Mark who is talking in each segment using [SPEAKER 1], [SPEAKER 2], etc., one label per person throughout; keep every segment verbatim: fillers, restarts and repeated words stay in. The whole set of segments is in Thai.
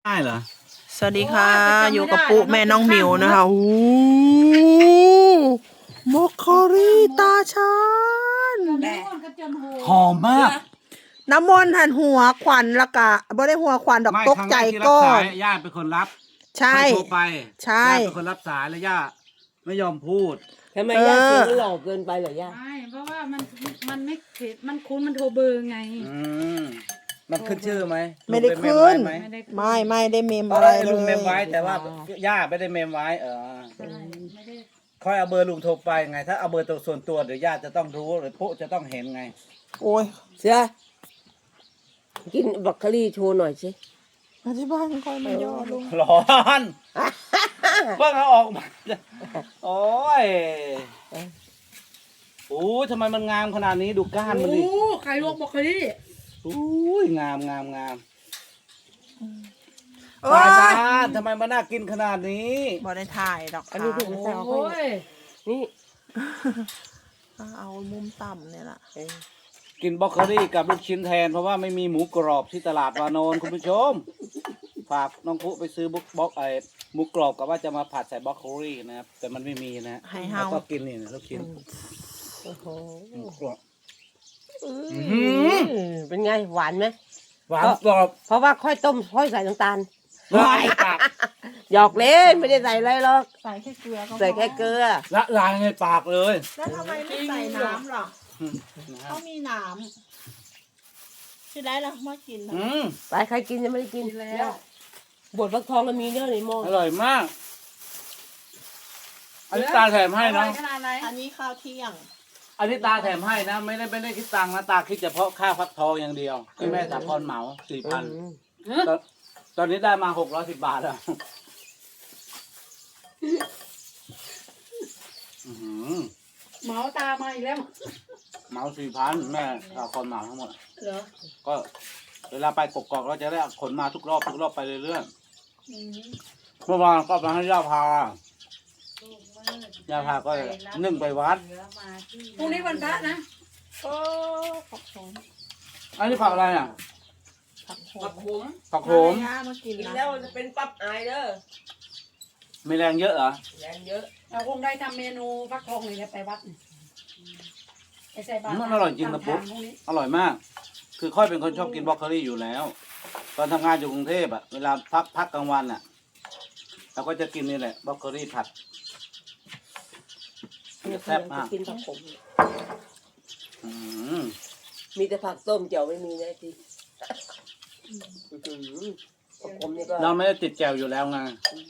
[SPEAKER 1] ได้เหรอ
[SPEAKER 2] สวัสดีค่ะอยู่กับปุ๊แม่น้องหมิวนะคะโอ้มอคคอรี่ตาชาน
[SPEAKER 1] หอมมาก
[SPEAKER 2] น้ำมนต์หันหัวขวัญละกะบ่ได้หัวขวัญดอกตกใจก่อน
[SPEAKER 1] ย่าเป็นคนรับ
[SPEAKER 2] ใช่
[SPEAKER 1] โทรไป
[SPEAKER 2] ใช่
[SPEAKER 1] ย่าเป็นคนรับสายแล้วย่าไม่ยอมพูด
[SPEAKER 3] ทำไมย่าเสียงมันหลอกเกินไปเหรอย่า
[SPEAKER 4] ไม่เพราะว่ามันมันไม่เข็ดมันคุ้นมันโทรเบอร์ไง
[SPEAKER 1] อืมมันขึ้นชื่อไหม
[SPEAKER 2] ไม่ได้ขึ้นไม่ไม่ได้เมมอะไรเลย
[SPEAKER 1] ลุงเมมไว้แต่ว่าย่าไม่ได้เมมไว้เออค่อยเอาเบอร์ลุงโทรไปไงถ้าเอาเบอร์ตัวส่วนตัวเดี๋ยวย่าจะต้องรู้หรือปุ๊จะต้องเห็นไง
[SPEAKER 2] โอ้ย
[SPEAKER 3] เสือกินบรอกโคลี่โชว์หน่อยสิ
[SPEAKER 2] มาที่บ้านคอยมันย่อลุง
[SPEAKER 1] ร้อนเพิ่งเอาออกมาโอ้ยโอ้ยทำไมมันงามขนาดนี้ดูก้านมันดิ
[SPEAKER 4] โอ้ไข่ลวกบรอกโคลี่
[SPEAKER 1] โอ้ยงามงามงามตาชาญทำไมมันน่ากินขนาดนี้
[SPEAKER 2] บ่ได้ถ่ายดอก
[SPEAKER 3] อันนี้ถึงแซวเขานี่
[SPEAKER 2] เอามุมต่ำเนี่ยแหละ
[SPEAKER 1] กินบรอกโคลี่กับลูกชิ้นแทนเพราะว่าไม่มีหมูกรอบที่ตลาดวานอนคุณผู้ชมฝากน้องปุ๊ไปซื้อบุกบล็อกไอ้หมูกรอบกับว่าจะมาผัดใส่บรอกโคลี่นะครับแต่มันไม่มีนะแล้วก็กินนี่ลูกชิ้น
[SPEAKER 3] โอ้โห
[SPEAKER 1] กรอบ
[SPEAKER 3] เป็นไงหวานไหม
[SPEAKER 1] หวานกรอบ
[SPEAKER 3] เพราะว่าค่อยต้มค่อยใส่น้ำตาลหยอกเล่นไม่ได้ใส่อะไรหรอก
[SPEAKER 2] ใส่แค่เกลือ
[SPEAKER 3] ใส่แค่เกลือ
[SPEAKER 1] ละลายในปากเลย
[SPEAKER 2] แล้วทำไมไม่ใส่น้ำหรอเขามีน้ำที่ได้แล้วมากิน
[SPEAKER 3] ไปใครกินยังไม่ได้กินแล้วบดฟักทองก็มีเยอะในหม้อ
[SPEAKER 1] อร่อยมากอันนี้ตาแถมให้นะ
[SPEAKER 2] อันนี้ข้าวเที่ยง
[SPEAKER 1] อันนี้ตาแถมให้นะไม่ได้ไม่ได้คิดตังค์นะตาคิดเฉพาะค่าฟักทองอย่างเดียวที่แม่สาพรเหมาสี่พันตอนนี้ได้มาหกร้อยสิบบาทแล้ว
[SPEAKER 4] เหมาตามาอีกแล้ว
[SPEAKER 1] เหมาสี่พันแม่สาพรเหมาทั้งหมด
[SPEAKER 4] เหรอ
[SPEAKER 1] ก็เวลาไปกกอกเราจะได้ขนมาทุกรอบทุกรอบไปเรื่อยๆเมื่อวานก็มาให้ย่าพาย่าพาก็นึ่งไปวัด
[SPEAKER 4] พรุ่งนี้วันพระนะ
[SPEAKER 2] โอ้ผักโขม
[SPEAKER 1] อันนี้ผักอะไรอ่ะ
[SPEAKER 2] ผักโขม
[SPEAKER 1] ผักโขม
[SPEAKER 2] มากิน
[SPEAKER 3] แล้วจะเป็นปั๊บอายเด้อ
[SPEAKER 1] มีแรงเยอะเหรอ
[SPEAKER 3] แรงเยอะ
[SPEAKER 4] เราคงได้ทำเมนูฟักทองเลยไปวัดไปใส่บาตร
[SPEAKER 1] มันอร่อยจริงนะปุ๊บอร่อยมากคือค่อยเป็นคนชอบกินบรอกโคลี่อยู่แล้วตอนทำงานอยู่กรุงเทพอ่ะเวลาพักพักกลางวันอ่ะเราก็จะกินนี่แหละบรอกโคลี่ผัดแซ่บมาก
[SPEAKER 3] กินผักขมมีแต่ผักต้มเจียวไม่มีนะทีผักขมนี่ก็
[SPEAKER 1] เราไม่ได้ติดแจ่วอยู่แล้วไง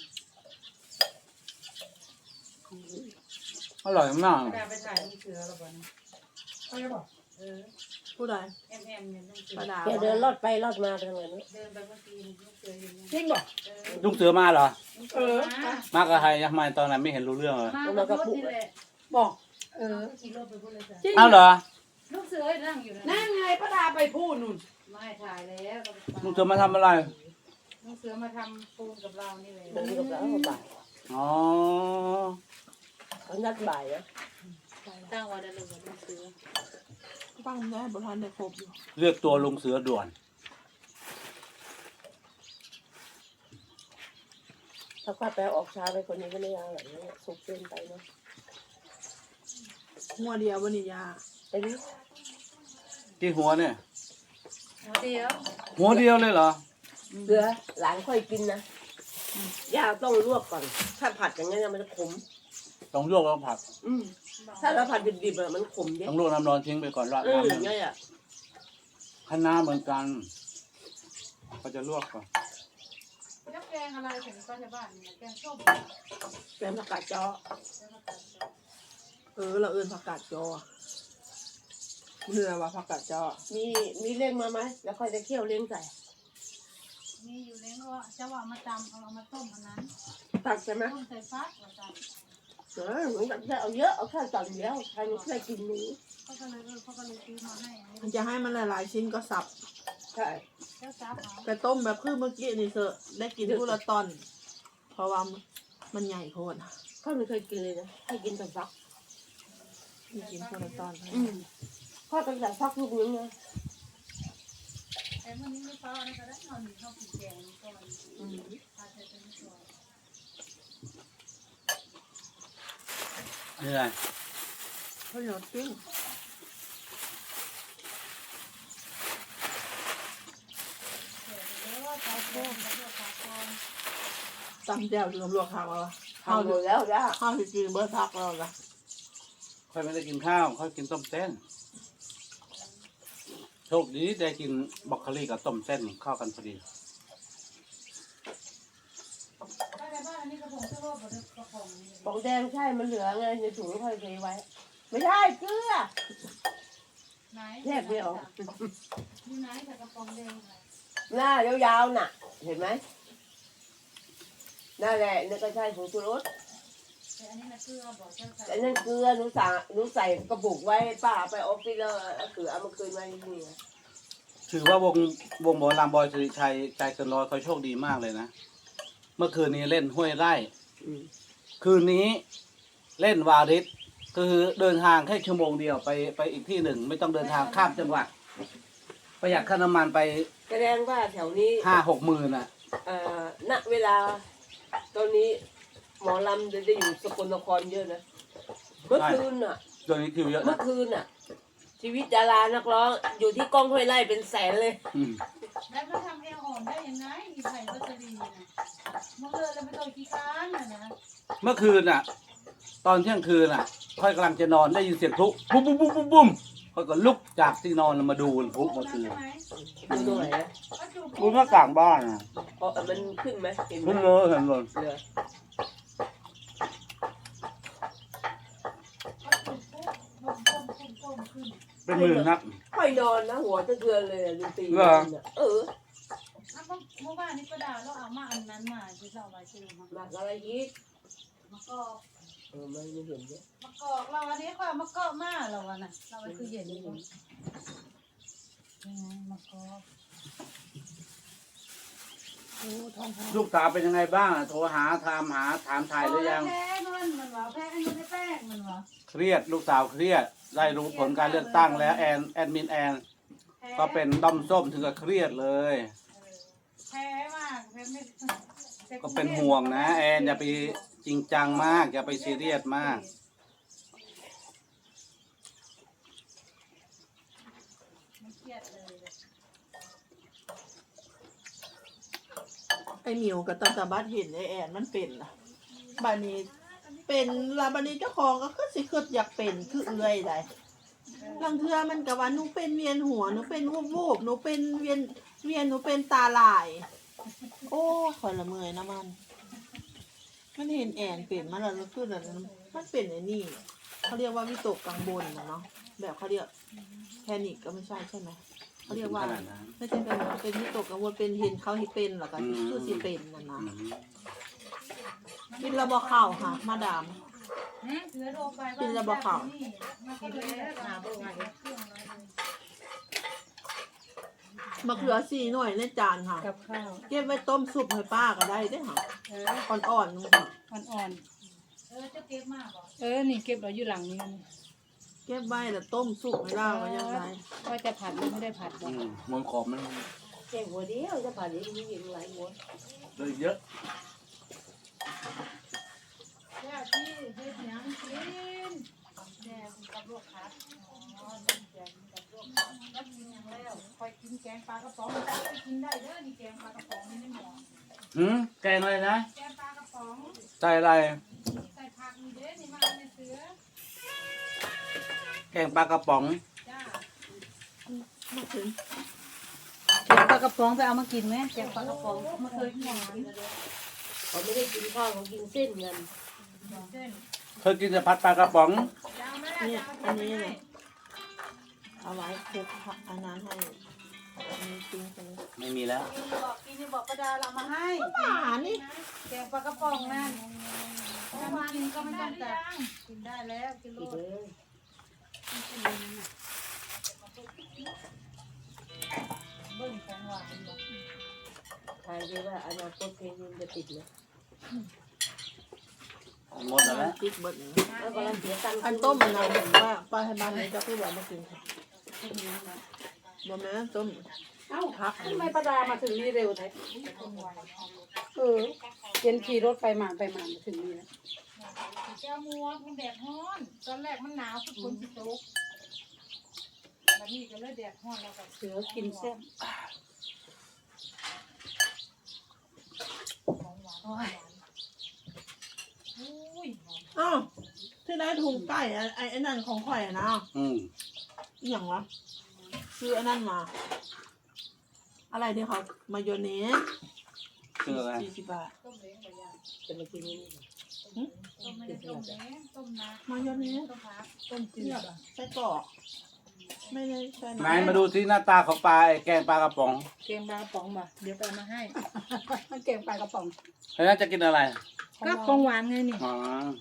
[SPEAKER 1] อร่อยมาก
[SPEAKER 4] ไปถ่ายลูกเสือแล้วบ่เนี่ยเขาจะบอกเออ
[SPEAKER 2] ผู้ใด
[SPEAKER 4] แอมแอมเนี่ยลูกเสือ
[SPEAKER 3] แกเดินลอดไปลอดมาทางไหนเนาะ
[SPEAKER 4] เดินไปเมื่อกี้ลูกเสืออยู่จริงบอก
[SPEAKER 1] ลูกเสือมาเหรอ
[SPEAKER 4] เออ
[SPEAKER 1] มากับใครยังไงตอนนั้นไม่เห็นรู้เรื่องเลย
[SPEAKER 4] มากับปุ๊บอกเออขี่รถไปพูดเลยจ้ะ
[SPEAKER 1] อ้าวเหรอ
[SPEAKER 4] ลูกเสือนั่งอยู่นั่งไงป้าดาไปพูดนู่นไม่ถ่ายแล้ว
[SPEAKER 1] ลูกเสือมาทำอะไร
[SPEAKER 4] ลูกเสือมาทำปูนกับเรานี่เลย
[SPEAKER 3] ปูนกับเราบ่าย
[SPEAKER 1] อ๋อ
[SPEAKER 3] เขานัดบ่ายนะ
[SPEAKER 4] ตั้งวันนั้นเลยลูกเสือ
[SPEAKER 2] ตั้งได้บริหารได้ครบอยู่
[SPEAKER 1] เลือกตัวลุงเสือด่วน
[SPEAKER 3] ถ้าข้าไปออกช้าไปคนนี้ก็ไม่ยากหรอกเนี่ยสุกเกินไปเนาะ
[SPEAKER 2] หัวเดียววันนี้ยา
[SPEAKER 3] ไปดิ
[SPEAKER 1] ที่หัวเนี่ย
[SPEAKER 4] หัวเดียว
[SPEAKER 1] หัวเดียวเลยเหรอ
[SPEAKER 3] เกลือหลานค่อยกินนะย่าต้องลวกก่อนถ้าผัดอย่างนี้มันจะขม
[SPEAKER 1] ต้องลวกแล้วผัด
[SPEAKER 3] อืมถ้าเราผัดดิบๆมันขมเยอะ
[SPEAKER 1] ต้องลวกน้ำร้อนทิ้งไปก่อนราดน้ำอย่างนี้อ่ะคะน้าเหมือนกันเขาจะลวกก่อน
[SPEAKER 4] แล้วแกงอะไรถึงก็จะบ้านเนี่ยแกงส้ม
[SPEAKER 2] แกงผักกาดจอเออเราเอื่นผักกาดจอเนื้อว่าผักกาดจอ
[SPEAKER 3] มีมีเล้งมาไหมแล้วค่อยจะเคี่ยวเล้งใส่
[SPEAKER 4] มีอยู่เล้งว่าจะว่ามาตำเอามาต้มอันนั้น
[SPEAKER 3] ตักใช่ไหม
[SPEAKER 4] ต้มใส่ฟักว่าตำ
[SPEAKER 3] เออเหมือนกับจะเอาเยอะเอาแค่ตักเดียวใครไม่เคยกินนี้
[SPEAKER 4] เขาก็เลยเออเขาก็เลยซื้อมาให้
[SPEAKER 2] มันจะให้มันหลายๆชิ้นก็สับ
[SPEAKER 3] ใช่
[SPEAKER 4] ก็สับเอา
[SPEAKER 2] แต่ต้มแบบคือเมื่อกี้นี่เถอะได้กินผู้ละตอนเพราะว่ามันใหญ่โพด
[SPEAKER 3] เขาไม่เคยกินเลยนะให้กินแต่ฟัก
[SPEAKER 2] กินผู้ละตอน
[SPEAKER 3] อืมพ่อต้องใส่ฟักลูกนึงนะ
[SPEAKER 4] แต่วันนี้ไม่พอนะก็ได้นอนอยู่ห้องกินแกงก่อน
[SPEAKER 1] เหนื่อย
[SPEAKER 2] ข้าวเหนียวปิ้งตำแจ่วรวมรวมข้าวเอา
[SPEAKER 3] ทำหมดแล้วจ้า
[SPEAKER 2] ข้าวที่กินเบอร์พักแล้วล่ะ
[SPEAKER 1] ค่อยไม่ได้กินข้าวค่อยกินต้มเส้นโชคดีได้กินบรอกโคลีกับต้มเส้นเข้ากันพอดี
[SPEAKER 4] บ้านในบ้านอันนี้กระพงเสื้อโลกกระพงนี่
[SPEAKER 3] ปองแดงใช่มันเหลือไงในถุงค่อยเทไว้ ไม่ใช่เกลือ
[SPEAKER 4] ไหน
[SPEAKER 3] แยกไม่ออก
[SPEAKER 4] อยู่ไหนแต่กระพงแดงไหน
[SPEAKER 3] หน้ายาวๆน่ะ เห็นไหมนั่นแหละนี่ก็ใช่ผงชูรส
[SPEAKER 4] แต่อันนี้นะเกลือบอกเจ้าใส่
[SPEAKER 3] แต่นั่นเกลือหนูสั่งหนูใส่กระปุกไว้ป้าไปออฟฟิศแล้วเอาเกลือเอามาคืนไว้ที่นี่
[SPEAKER 1] ถือว่าวงวงหมอลำบอยสิริชัยใจเกินร้อยเขาโชคดีมากเลยนะ เมื่อคืนนี้เล่นห้วยไร่
[SPEAKER 3] อืม
[SPEAKER 1] คืนนี้เล่นวาริสก็คือเดินทางแค่ชั่วโมงเดียวไปไปอีกที่หนึ่ง ไม่ต้องเดินทางข้ามจังหวัด ประหยัดค่าน้ำมันไป
[SPEAKER 3] แสดงว่าแถวนี้
[SPEAKER 1] ห้าหกหมื่นอ่ะ
[SPEAKER 3] เอ่อณเวลาตอนนี้หมอลำจะได้อยู่สกลนครเยอะนะ เมื่อคืนน่ะ
[SPEAKER 1] โดยนี้คิวเยอะ
[SPEAKER 3] เมื่
[SPEAKER 1] นะ
[SPEAKER 3] อคืนน่ะ ชีวิตดารานักร้องอยู่ที่กล้องห้วยไร่เป็นแสนเลย
[SPEAKER 1] อืม
[SPEAKER 4] แล้วมันทำเอวอ่อนได้ยังไงอีไผ่วัชรีนะมันเลยแล้วไม่ต้องกี่ครั้งนะนะ
[SPEAKER 1] เมื่อคืนอ่ะ ตอนเที่ยงคืนอ่ะ ค่อยกำลังจะนอนได้ยินเสียงพลุปุ้มปุ้มปุ้มปุ้มปุ้มค่อยก็ลุกจากที่นอนมาดูพลุเมื่อคืน
[SPEAKER 3] ดูตรงไหนอะ
[SPEAKER 1] ดูหน้าต่างบ้านอ่ะ
[SPEAKER 3] เพราะมันขึ้นไหมเห็นไหม
[SPEAKER 1] ขึ้นเลยเห็นเลย
[SPEAKER 3] เหลือ
[SPEAKER 1] เป็นหมื่นนัก
[SPEAKER 3] ค่อยนอนนะหัวจะเทือนเลยอะดูตี
[SPEAKER 1] เหรอ
[SPEAKER 3] น่ะเออ
[SPEAKER 4] เมื่อวานนี้ก็ด่าเราเอามาอันนั้นมาที่เราไปซื้อมา
[SPEAKER 3] หนักอะไรอีก
[SPEAKER 4] มะกอก
[SPEAKER 3] เออไม่ไม่เห็นเนี่ย
[SPEAKER 4] มะกอกเราอันนี้ก็มะกอกมาเราอ่ะนะเราไปคือเย็นนี่ยังไงมะกอกโอ้ทอง
[SPEAKER 1] ลูกสาวเป็นยังไงบ้างอะโทรหาถามหาถามถ่ายหรือยัง
[SPEAKER 4] แพ้มันมันวะแพ้อันนี้ไม่แป้งมันวะ
[SPEAKER 1] เครียดลูกสาวเครียด ได้รู้ผลการเลือกตั้งแล้วแอนแอดมินแอนก็เป็นด้อมส้มถึงกับเครียดเลย
[SPEAKER 4] แพ้มากแพ้ไม่
[SPEAKER 1] ก็เป็นห่วงนะแอนอย่าไปจริงจังมาก อย่าไปซีเรียสมาก
[SPEAKER 4] ไม่เครียดเลย
[SPEAKER 2] ไอหมิวกับตาตาบัดเห็นไอแอนมันเป็นล่ะบานี้เป็นลาบานี้เจ้าของก็คือสิคืออยากเป็นคือเอื่อยได้บางเทื่อมันกับว่าหนูเป็นเวียนหัวหนูเป็นวูบวูบหนูเป็นเวียนเวียนหนูเป็นตาลาย โอ้คอยละเมอยนะมัน มันเห็นแอนเปลี่ยนมาแล้วคือแบบมันเป็นไอ้นี่เขาเรียกว่าวิตกกังวลนะเนาะแบบเขาเรียกแพนิคก็ไม่ใช่ใช่ไหมเขาเรียกว่า
[SPEAKER 1] ขนาดนั้น
[SPEAKER 2] ไม่ใช่เป็นเป็นวิตกกังวลเป็นเห็นเขาที่เป็นหรอกก็
[SPEAKER 1] อืม
[SPEAKER 2] คือสิเป็นนั่นนะ
[SPEAKER 1] อืม
[SPEAKER 2] กินระบอข้าวค่ะ มาดาม
[SPEAKER 4] เหลือโทรไป
[SPEAKER 2] กินระบอกข้าว
[SPEAKER 4] มากินเลยหาเบอร์ไงเครื่องอะไร
[SPEAKER 2] มะเขือสี่หน่วยในจานค่ะ
[SPEAKER 4] กับข้าว
[SPEAKER 2] เก็บไว้ต้มซุปให้ป้าก็ได้เด้อค่ะ
[SPEAKER 4] เออ
[SPEAKER 2] อ่อนๆนึงค่ะ
[SPEAKER 4] อ่อนๆเออจะเก็บมากเหรอเออนี่เก็บเราอยู่หลังนี้
[SPEAKER 2] เก็บไว้แล้วต้มซุปให้ได้ก็ยังไง
[SPEAKER 4] ว่าจะผัดหรือไม่ได้ผัดบ
[SPEAKER 1] อื
[SPEAKER 4] อก
[SPEAKER 1] มมนขอบมัน
[SPEAKER 3] แค่หัวเดียวจะผ่านนี้มีอย่างไรหัว
[SPEAKER 1] เลยเยอะ
[SPEAKER 4] แย่ที่เฮ็ดหยังกินแย่กับลวกผัดอ๋อแย่กับลวกผัดแล้วกินอย่างแล้วคอยกินแกงปลากระป๋องจะไปกินได้เด้อนี่แกงปลากระป๋องนี่ไม่เหมาะ
[SPEAKER 1] หืมแกงอะไรนะ
[SPEAKER 4] แกงปลากระป๋อง
[SPEAKER 1] ใส่อะไร
[SPEAKER 4] ใส่ผักมีเด้อนี่มาในเสือ
[SPEAKER 1] แกงปลากระป๋อง
[SPEAKER 4] จ้า
[SPEAKER 2] มาถึง
[SPEAKER 4] แกงปลากระป๋องไปเอามากินไหมแกงปลากระป๋องไม่เคยกิน
[SPEAKER 3] เขาไม่ได้กินข้าวเขากินเส้นกัน
[SPEAKER 4] เส้น
[SPEAKER 1] เคยกินแต่ผัดปลากระป๋อง
[SPEAKER 4] ยาวไหมล่ะ
[SPEAKER 2] เนี่ย
[SPEAKER 4] ยาว
[SPEAKER 2] อันนี้เลยเอาไว้คลุกอันนั้นให้อันนี้จริงจัง
[SPEAKER 1] ไม่มีแล้ว
[SPEAKER 4] กินบอกกินนี่บอกประดาเรามาให้
[SPEAKER 2] ป่านี่
[SPEAKER 4] แกงปลากระป๋องนั่นถ้ามากินก็ไม่ต้องจัดกินได้แล้วกินโล
[SPEAKER 3] อีก
[SPEAKER 4] ด
[SPEAKER 3] เลย
[SPEAKER 4] เบิ้งของหวานบอก
[SPEAKER 3] ทายได้ว่าอนาคตเพลงนี้จะติดไหม
[SPEAKER 1] หมดแล้วนะ
[SPEAKER 2] ติ๊กเบิด
[SPEAKER 3] แล้วกำลังเสียตังค์
[SPEAKER 2] อันต้มมันนะเห็นว่าป้าให้บ้านนี้จะคือแบบมากินค่ะบ่แม่นต้ม
[SPEAKER 4] เอ้า
[SPEAKER 2] พัก
[SPEAKER 4] ทำไมประดามาถึงนี่เร็วแท้เออเย็นขี่รถไปมาไปมามาถึงนี่แล้วแก้วมัวมันแดดร้อนตอนแรกมันหนาวคือฝนสิตกบัดนี้ก็เลยแดดร้อนแล้วก็
[SPEAKER 5] เสือกินแซ่บ
[SPEAKER 4] โอ้ยอุ้ย
[SPEAKER 2] อ้าวที่ได้ถุงไก่อะไอ้ไอ้นั่นของข่อยอะนะ
[SPEAKER 1] อืม
[SPEAKER 2] อหย่างวะซื้อไอ้นั่นมา อะไรเนี่ยครับมายองเนส
[SPEAKER 1] คืออะไร
[SPEAKER 2] สี่สิบบาท
[SPEAKER 4] ต้มเล้งไปย่าง
[SPEAKER 3] จะมากินนี่
[SPEAKER 4] ต้มไม่ได้ต้มแล้ต้มน้ำ
[SPEAKER 2] มายองเนส
[SPEAKER 4] ต้มผักต้มจืด
[SPEAKER 2] เนี่ยไส้กรอกไม่ได้ใช่
[SPEAKER 1] ไหนมาดูที่หน้าตาของปลาไอ้แกงปลากระป๋อง
[SPEAKER 5] เกงปลากระป๋องมาเดี๋ยวไปเอามาให้
[SPEAKER 6] มันเก่งปลากระป๋อง
[SPEAKER 1] แล้วน่าจะกินอะไร
[SPEAKER 5] ก็ของหวานไงนี่
[SPEAKER 1] อ๋อ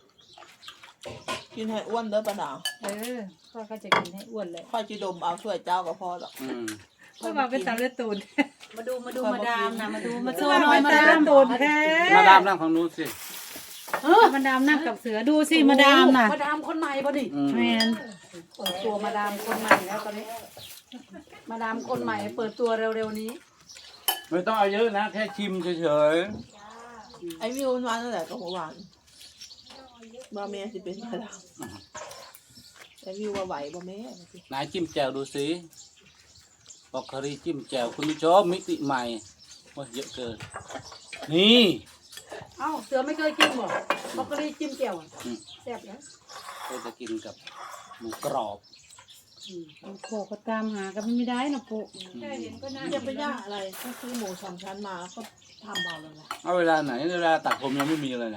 [SPEAKER 2] กินให้อ้วนเด้อปะดาว
[SPEAKER 5] เออพ่อก็จะกินให้อ้วนเลย
[SPEAKER 2] ค่อยจีดมเอาถ้วยเจ้าก็พอหรอก
[SPEAKER 1] อืม
[SPEAKER 5] พ่อบอกเป็นตาเลือดตูน
[SPEAKER 6] มาดูมาดูมาดามนะมาดูมา
[SPEAKER 5] ตั
[SPEAKER 6] ช่ว
[SPEAKER 5] วย
[SPEAKER 6] หน่อย
[SPEAKER 5] เป็น
[SPEAKER 6] มา
[SPEAKER 5] ตา
[SPEAKER 6] ดา
[SPEAKER 5] เลือ
[SPEAKER 6] ม
[SPEAKER 5] ดตูนแท้
[SPEAKER 1] มาดามนั่งของนู้นสิ
[SPEAKER 5] มาดามนั่งกับเสือดูสิมาดามน่ะ
[SPEAKER 6] มาดามคนใหม่พอดี
[SPEAKER 1] อืม
[SPEAKER 5] แมน
[SPEAKER 6] เปิดตัวมาดามคนใหม่แล้วตอนนี้ มาดามคนใหม่เปิดตัวเร็วๆนี้
[SPEAKER 1] ไม่ต้องเอาเยอะนะ แค่ชิมเฉย
[SPEAKER 2] ไอ้วิวมันมาตั้งแต่ก็หัวหวานบะเมสิเป็นปะดาวไอ้วิวว่าไหวบะเม
[SPEAKER 1] ๆไหนจิ้มแจ่วดูสิบอกคารีจิ้มแจ่วคุณผู้ชมมิติใหม่ว่าเยอะเกิน นี่
[SPEAKER 6] เอ้าเสือไม่เคยกินบ่บรอกโคลีจิ้มแจ่วอะ
[SPEAKER 1] อืม
[SPEAKER 6] แซ่บนะ
[SPEAKER 1] ก็จะกินกับหมูกรอบ
[SPEAKER 5] โปก็ตามหากันไม่ได้นะโป
[SPEAKER 4] แค่เห็นก็น่า
[SPEAKER 2] จะไปย่างอะไรก็ซื้อหมูสองชั้นมาก็ทำเอาเลยนะ
[SPEAKER 1] เอาเวลาไหนเวลาตัดผมยังไม่มีเลยเนี่ย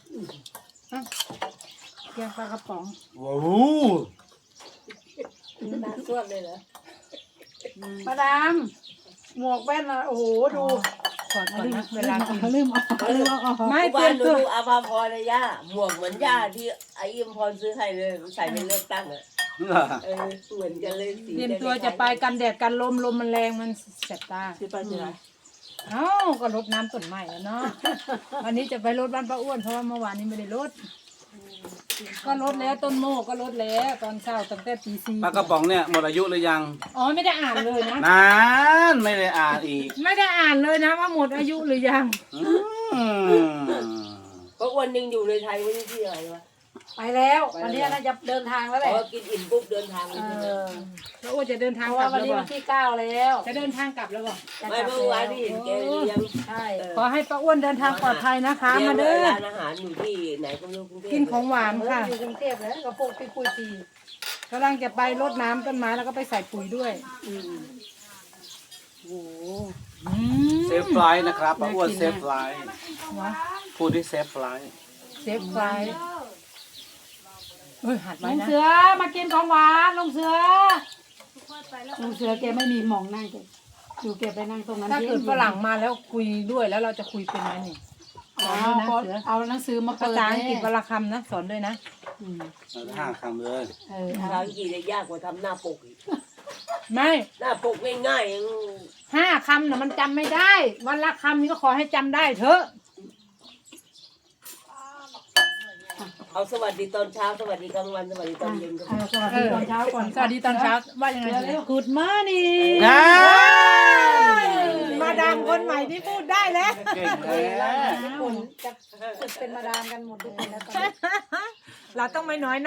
[SPEAKER 5] เกงปลากระป๋อง
[SPEAKER 1] ว้าว
[SPEAKER 3] น้ำส่วนเลยเหรอ
[SPEAKER 6] มาดาม หมวกแว่นอะโอ้โหดู
[SPEAKER 5] ขอดก่อนนะเวลากินลืมเอาลืมเอา
[SPEAKER 3] ไม่
[SPEAKER 5] ไม่
[SPEAKER 3] บ้า
[SPEAKER 5] เตรีย
[SPEAKER 3] น
[SPEAKER 5] ม
[SPEAKER 3] ดู
[SPEAKER 5] ตัว
[SPEAKER 3] อาภาพรเลยย่าหมวกเหมือนย่าที่ไอ้อิมพรซื้อให้เลยใส่ไปเลือกตั้งอ่ะเออเหมือนกันเลยสี
[SPEAKER 5] เตรียมตัวจะไปกันแดดกันลมลมมันแรงมันแสบตา
[SPEAKER 2] สิไปสิไร
[SPEAKER 5] เอ้าก็รดน้ำต้นไม้แล้วเนาะ วันนี้จะไปรดบ้านป้าอ้วนเพราะว่าเมื่อวานนี้ไม่ได้รดก็รดแล้วต้นโมกก็รดแล้วตอนเช้าตั้งแต่ตีสี่
[SPEAKER 1] ปลากระป๋องเนี่ยหมดอายุหรือยัง
[SPEAKER 5] อ๋อไม่ได้อ่านเลยนะ
[SPEAKER 1] นานไม่ได้อ่านอีก
[SPEAKER 5] ไม่ได้อ่านเลยนะว่าหมดอายุหรือยัง
[SPEAKER 1] อืม
[SPEAKER 3] เพราะวันหนึ่งอยู่ในไทยวันนี้ที่อะไรวะ
[SPEAKER 6] ไปแล้ววันนี้น่าจะเดินทางแล้วแห
[SPEAKER 3] พ
[SPEAKER 6] ละ
[SPEAKER 3] อกินอิ่มปุ๊บเดินทางเล
[SPEAKER 6] เอย
[SPEAKER 3] ใช่ไหม
[SPEAKER 6] อ
[SPEAKER 5] ป้าอ้วนจะเดินทาง
[SPEAKER 6] เพราะ
[SPEAKER 5] กลั
[SPEAKER 6] ว่า
[SPEAKER 5] บ
[SPEAKER 6] วัน
[SPEAKER 5] แล้ว
[SPEAKER 6] นี้
[SPEAKER 5] บ่
[SPEAKER 6] วันที่เก้าแล้ว
[SPEAKER 5] จะเดินทางกลับแล้วบ่
[SPEAKER 6] จะ
[SPEAKER 3] ไม่
[SPEAKER 6] กลับ
[SPEAKER 3] เมื่อวาน
[SPEAKER 6] แล้ว
[SPEAKER 3] ที่เห็นแกเลี้ยง
[SPEAKER 6] ใช่
[SPEAKER 5] ขอให้ป้าอ้วนเดินทางปลอดภัยนะคะ
[SPEAKER 3] เลี้ย
[SPEAKER 5] มาง เด้อ
[SPEAKER 3] ร้านอาหารอยู่ที่ไหนก็ไม่รู้กรุงเทพ
[SPEAKER 5] กินของหวาน
[SPEAKER 6] เออ
[SPEAKER 5] ค่ะ
[SPEAKER 6] อยู่กรุงเทพแล้วกับพวกพี่ปุ้ยปี
[SPEAKER 5] กำลังจะไปรดน้ำต้นไม้แล้วก็ไปใส่ปุ๋ยด้วย
[SPEAKER 6] อืมโอ้โห
[SPEAKER 5] อืม
[SPEAKER 1] เซฟไฟลท์นะครับป้าอ้วนเซฟไฟลท์
[SPEAKER 5] วะ
[SPEAKER 1] พูดที่เซฟไฟลท์
[SPEAKER 5] เซฟไฟเอ้ยหัด
[SPEAKER 6] ลุ
[SPEAKER 5] ไว้
[SPEAKER 6] ง
[SPEAKER 5] นะ
[SPEAKER 6] เสือมากินของหวานลุงเสือลุงเสือแกไม่มีหมองนั่งแกอยู่แกไปนั่งตรงนั้น
[SPEAKER 5] ถ้าเกิด
[SPEAKER 6] ย็นๆ
[SPEAKER 5] ฝรั่งมาแล้วคุยด้วยแล้วเราจะคุยเป็นไหมนี่
[SPEAKER 6] อ๋อ
[SPEAKER 5] สอนด้วยนะเสือ
[SPEAKER 6] เอาหนังสือมา
[SPEAKER 5] ภา
[SPEAKER 6] เปิด
[SPEAKER 5] ษาอังกฤษว
[SPEAKER 6] แน่
[SPEAKER 5] รรณคำนะสอนด้วยนะ
[SPEAKER 6] อืม
[SPEAKER 1] เอาห้าคำเลย
[SPEAKER 6] เออ
[SPEAKER 3] ภาษาอังกฤษเนี่ยยากกว่าทำหน้าปกอีก
[SPEAKER 5] ไม่
[SPEAKER 3] หน้าปกง่ายๆยัง
[SPEAKER 5] ห้าคำนะมันจำไม่ได้ วันละคำนี่ก็ขอให้จำได้เถอะ
[SPEAKER 3] เอาสวัสดีตอนเช้าสวัสดีกลางวันสวัสดีตอนเย็นก็
[SPEAKER 6] เออสวัสดีตอนเช้าก่อน
[SPEAKER 5] สวัสดีตอนเช้าว่ายังไง
[SPEAKER 6] เร็ว
[SPEAKER 5] Good morning
[SPEAKER 1] นะ
[SPEAKER 5] มาดามคนใหม่ที่พูดได้แล้ว
[SPEAKER 1] เก่งแล้ว
[SPEAKER 6] ๆญี่ปุ่นจะฝึกเป็นมาดามกันหมดทุกคนแล้วตอนนี้
[SPEAKER 5] เราต้องไม่น้อย